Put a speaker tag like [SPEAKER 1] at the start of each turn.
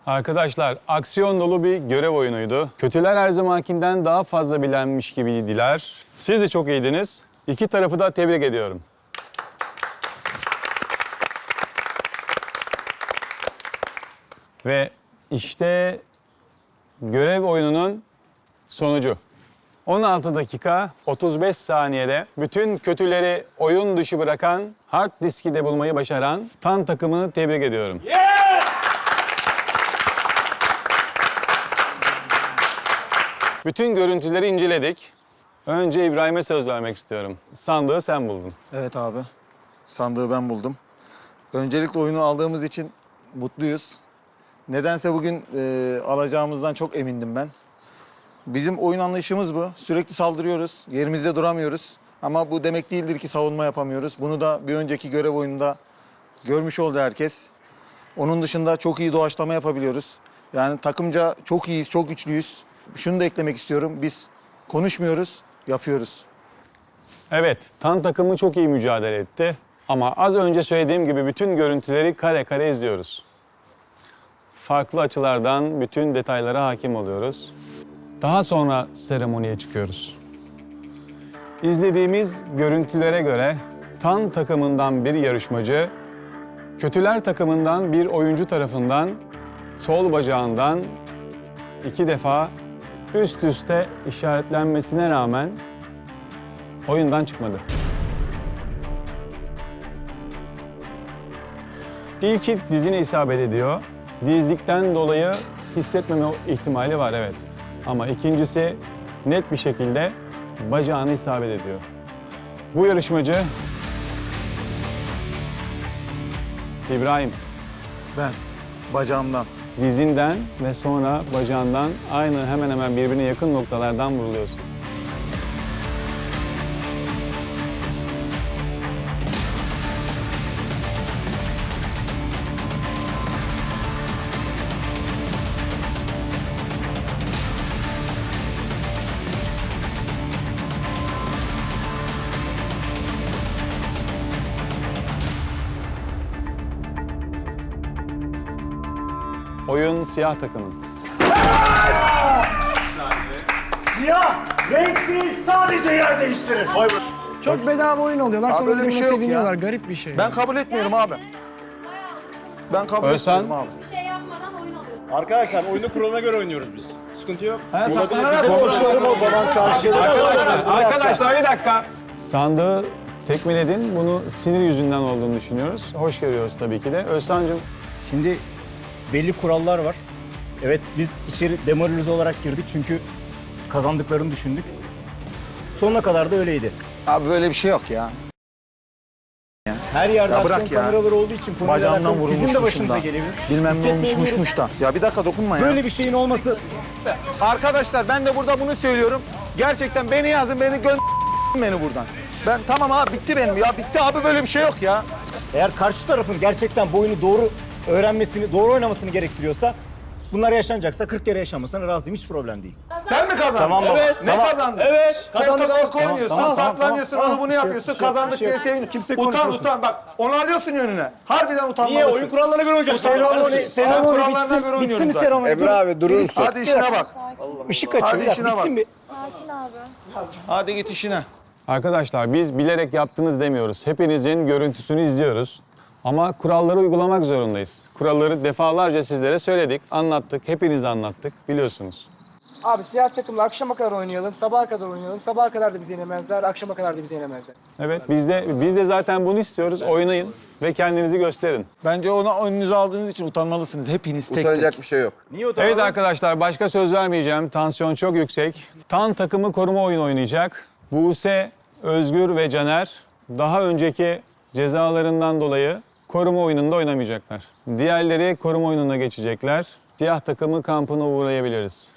[SPEAKER 1] Arkadaşlar aksiyon dolu bir görev oyunuydu. Kötüler her zamankinden daha fazla bilenmiş gibiydiler. Siz de çok iyiydiniz. İki tarafı da tebrik ediyorum. Ve işte görev oyununun sonucu. 16 dakika 35 saniyede bütün kötüleri oyun dışı bırakan, hard diski de bulmayı başaran TAN takımını tebrik ediyorum. Bütün görüntüleri inceledik. Önce İbrahim'e söz vermek istiyorum. Sandığı sen buldun.
[SPEAKER 2] Evet abi. Sandığı ben buldum. Öncelikle oyunu aldığımız için mutluyuz. Nedense bugün alacağımızdan çok emindim ben. Bizim oyun anlayışımız bu. Sürekli saldırıyoruz. Yerimizde duramıyoruz. Ama bu demek değildir ki savunma yapamıyoruz. Bunu da bir önceki görev oyununda görmüş oldu herkes. Onun dışında çok iyi doğaçlama yapabiliyoruz. Yani takımca çok iyiyiz, çok güçlüyüz. Şunu da eklemek istiyorum. Biz konuşmuyoruz, yapıyoruz.
[SPEAKER 1] Evet, TAN takımı çok iyi mücadele etti. Ama az önce söylediğim gibi bütün görüntüleri kare kare izliyoruz. Farklı açılardan bütün detaylara hakim oluyoruz. Daha sonra seremoniye çıkıyoruz. İzlediğimiz görüntülere göre TAN takımından bir yarışmacı, kötüler takımından bir oyuncu tarafından sol bacağından 2 defa üst üste işaretlenmesine rağmen oyundan çıkmadı. İlki dizine isabet ediyor. Dizlikten dolayı hissetmeme ihtimali var, evet. Ama ikincisi net bir şekilde bacağına isabet ediyor. Bu yarışmacı İbrahim.
[SPEAKER 2] Ben bacağımdan.
[SPEAKER 1] Dizinden ve sonra bacağından aynı hemen hemen birbirine yakın noktalardan vuruluyorsun. Oyun siyah takımın.
[SPEAKER 3] Siyah renk değil, sadece yer değiştirir.
[SPEAKER 4] Çok bedava oyun alıyorlar, sonra
[SPEAKER 2] böyle bir
[SPEAKER 4] birbirine
[SPEAKER 2] şey yok
[SPEAKER 4] seviniyorlar.
[SPEAKER 2] ya.
[SPEAKER 4] Garip bir şey.
[SPEAKER 2] Ben kabul etmiyorum abi. Ben kabul
[SPEAKER 1] Özcan?
[SPEAKER 2] etmiyorum abi.
[SPEAKER 5] Bir şey yapmadan oyun alıyorsun.
[SPEAKER 3] Arkadaşlar oyunu kuralına göre oynuyoruz biz. Sıkıntı yok.
[SPEAKER 2] Konuşalım o zaman karşılıklı.
[SPEAKER 1] Arkadaşlar bir dakika. Sandığı tekmeledin. Bunu sinir yüzünden olduğunu düşünüyoruz. Hoş görüyoruz tabii ki de. Özcan'cığım,
[SPEAKER 6] Şimdi belli kurallar var. Evet, biz içeri demoralize olarak girdik çünkü kazandıklarını düşündük. Sonuna kadar da öyleydi.
[SPEAKER 2] Abi böyle bir şey yok ya.
[SPEAKER 6] Her yerde
[SPEAKER 2] Ya
[SPEAKER 6] aksiyon
[SPEAKER 2] bırak ya.
[SPEAKER 6] kameraları olduğu için konuyla
[SPEAKER 2] Bacağımdan
[SPEAKER 6] alakalı bizim de
[SPEAKER 2] vurulmuşmuşum
[SPEAKER 6] başımıza
[SPEAKER 2] da.
[SPEAKER 6] gelebilir.
[SPEAKER 2] Bilmem ne
[SPEAKER 6] Hissetmeyebiliriz.
[SPEAKER 2] olmuşmuşmuş da. Ya bir dakika dokunma ya.
[SPEAKER 6] Böyle bir şeyin olması
[SPEAKER 2] Arkadaşlar ben de burada bunu söylüyorum. Gerçekten beni yazın, beni buradan. Ben tamam abi bitti benim ya. Bitti abi, böyle bir şey yok ya.
[SPEAKER 6] eğer karşı tarafın gerçekten bu oyunu doğru öğrenmesini, doğru oynamasını gerektiriyorsa bunlar yaşanacaksa 40 kere yaşanmasına razıyım, hiç problem değil.
[SPEAKER 2] Sen mi kazandın?
[SPEAKER 6] Tamam baba.
[SPEAKER 2] Evet. Ne
[SPEAKER 6] Tamam.
[SPEAKER 2] kazandın?
[SPEAKER 6] Evet.
[SPEAKER 2] Sen
[SPEAKER 6] Kazandık.
[SPEAKER 2] korku oynuyorsun,
[SPEAKER 6] Tamam, tamam,
[SPEAKER 2] saklanıyorsun,
[SPEAKER 6] tamam.
[SPEAKER 2] onu bunu
[SPEAKER 6] Bir şey yok,
[SPEAKER 2] yapıyorsun,
[SPEAKER 6] bir şey yok,
[SPEAKER 2] kazandık
[SPEAKER 6] bir şey
[SPEAKER 2] diye
[SPEAKER 6] yok.
[SPEAKER 2] sevin.
[SPEAKER 6] Kimse
[SPEAKER 2] Utan
[SPEAKER 6] konuşmasın.
[SPEAKER 2] utan bak, onu alıyorsun yönüne. Harbiden utanmalısın.
[SPEAKER 3] Niye? Oyun kurallarına göre oynayacaksın.
[SPEAKER 6] Seremoni
[SPEAKER 2] kurallarına göre
[SPEAKER 6] bitsin
[SPEAKER 2] oynuyorum
[SPEAKER 6] mi
[SPEAKER 2] zaten.
[SPEAKER 6] seremoni?
[SPEAKER 7] Emre abi durur musun?
[SPEAKER 2] Hadi işine bak.
[SPEAKER 6] Işık açıyor,
[SPEAKER 2] Hadi
[SPEAKER 6] bir dakika,
[SPEAKER 2] işine bak.
[SPEAKER 6] bitsin bir.
[SPEAKER 5] Sakin abi.
[SPEAKER 2] Hadi git işine.
[SPEAKER 1] arkadaşlar biz bilerek yaptınız demiyoruz. Hepinizin görüntüsünü izliyoruz. Ama kuralları uygulamak zorundayız. Kuralları defalarca sizlere söyledik, anlattık, hepiniz anlattık, biliyorsunuz.
[SPEAKER 4] Abi siyah takımla akşama kadar oynayalım, sabaha kadar oynayalım. Sabaha kadar da bizi yenemezler, akşama kadar da bizi yenemezler.
[SPEAKER 1] Evet, biz de zaten bunu istiyoruz. Oynayın ve kendinizi gösterin.
[SPEAKER 2] Bence ona önünüze aldığınız için utanmalısınız. Hepiniz tek
[SPEAKER 7] Utanacak
[SPEAKER 2] tek.
[SPEAKER 7] bir şey yok.
[SPEAKER 1] Evet arkadaşlar, başka söz vermeyeceğim. Tansiyon çok yüksek. TAN takımı koruma oyunu oynayacak. Buse, Özgür ve Caner daha önceki cezalarından dolayı koruma oyununda oynamayacaklar. Diğerleri koruma oyununa geçecekler. Siyah takımı kampına uğrayabiliriz.